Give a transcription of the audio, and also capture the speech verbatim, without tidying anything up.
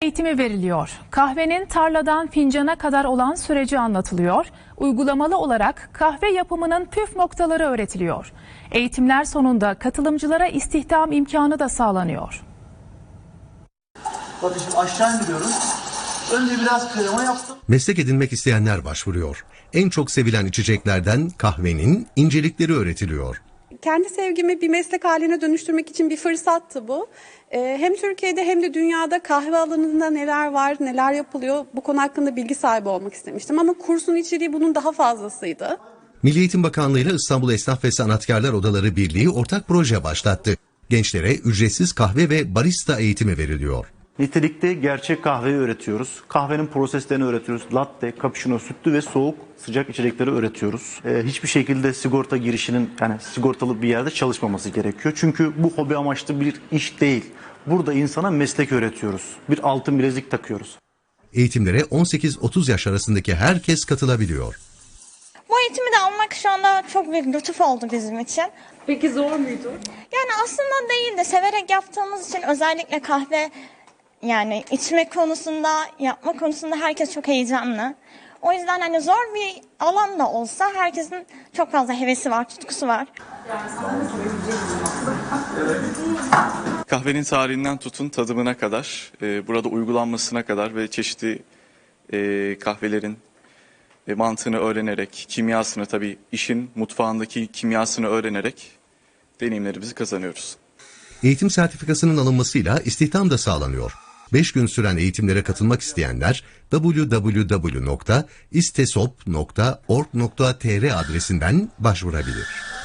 eğitimi veriliyor. Kahvenin tarladan fincana kadar olan süreci anlatılıyor. Uygulamalı olarak kahve yapımının püf noktaları öğretiliyor. Eğitimler sonunda katılımcılara istihdam imkanı da sağlanıyor. Bakın şimdi aşağı indiriyorum. Önce biraz krema yaptım. Meslek edinmek isteyenler başvuruyor. En çok sevilen içeceklerden kahvenin incelikleri öğretiliyor. Kendi sevgimi bir meslek haline dönüştürmek için bir fırsattı bu. Ee, hem Türkiye'de hem de dünyada kahve alanında neler var, neler yapılıyor bu konu hakkında bilgi sahibi olmak istemiştim. Ama kursun içeriği bunun daha fazlasıydı. Milli Eğitim Bakanlığı ile İstanbul Esnaf ve Sanatkarlar Odaları Birliği ortak proje başlattı. Gençlere ücretsiz kahve ve barista eğitimi veriliyor. Nitelikte gerçek kahveyi öğretiyoruz. Kahvenin proseslerini öğretiyoruz. Latte, cappuccino, sütlü ve soğuk sıcak içecekleri öğretiyoruz. Ee, hiçbir şekilde sigorta girişinin yani sigortalı bir yerde çalışmaması gerekiyor. Çünkü bu hobi amaçlı bir iş değil. Burada insana meslek öğretiyoruz. Bir altın bilezik takıyoruz. Eğitimlere on sekiz otuz yaş arasındaki herkes katılabiliyor. Bu eğitimi de almak şu anda çok büyük lütuf oldu bizim için. Peki zor muydu? Yani aslında değil de severek yaptığımız için özellikle kahve yani içme konusunda, yapma konusunda herkes çok heyecanlı. O yüzden hani zor bir alan da olsa herkesin çok fazla hevesi var, tutkusu var. Kahvenin tarihinden tutun tadımına kadar, e, burada uygulanmasına kadar ve çeşitli e, kahvelerin e, mantığını öğrenerek, kimyasını tabii işin mutfağındaki kimyasını öğrenerek deneyimlerimizi kazanıyoruz. Eğitim sertifikasının alınmasıyla istihdam da sağlanıyor. beş gün süren eğitimlere katılmak isteyenler double-u double-u double-u nokta istesop nokta org nokta tr adresinden başvurabilir.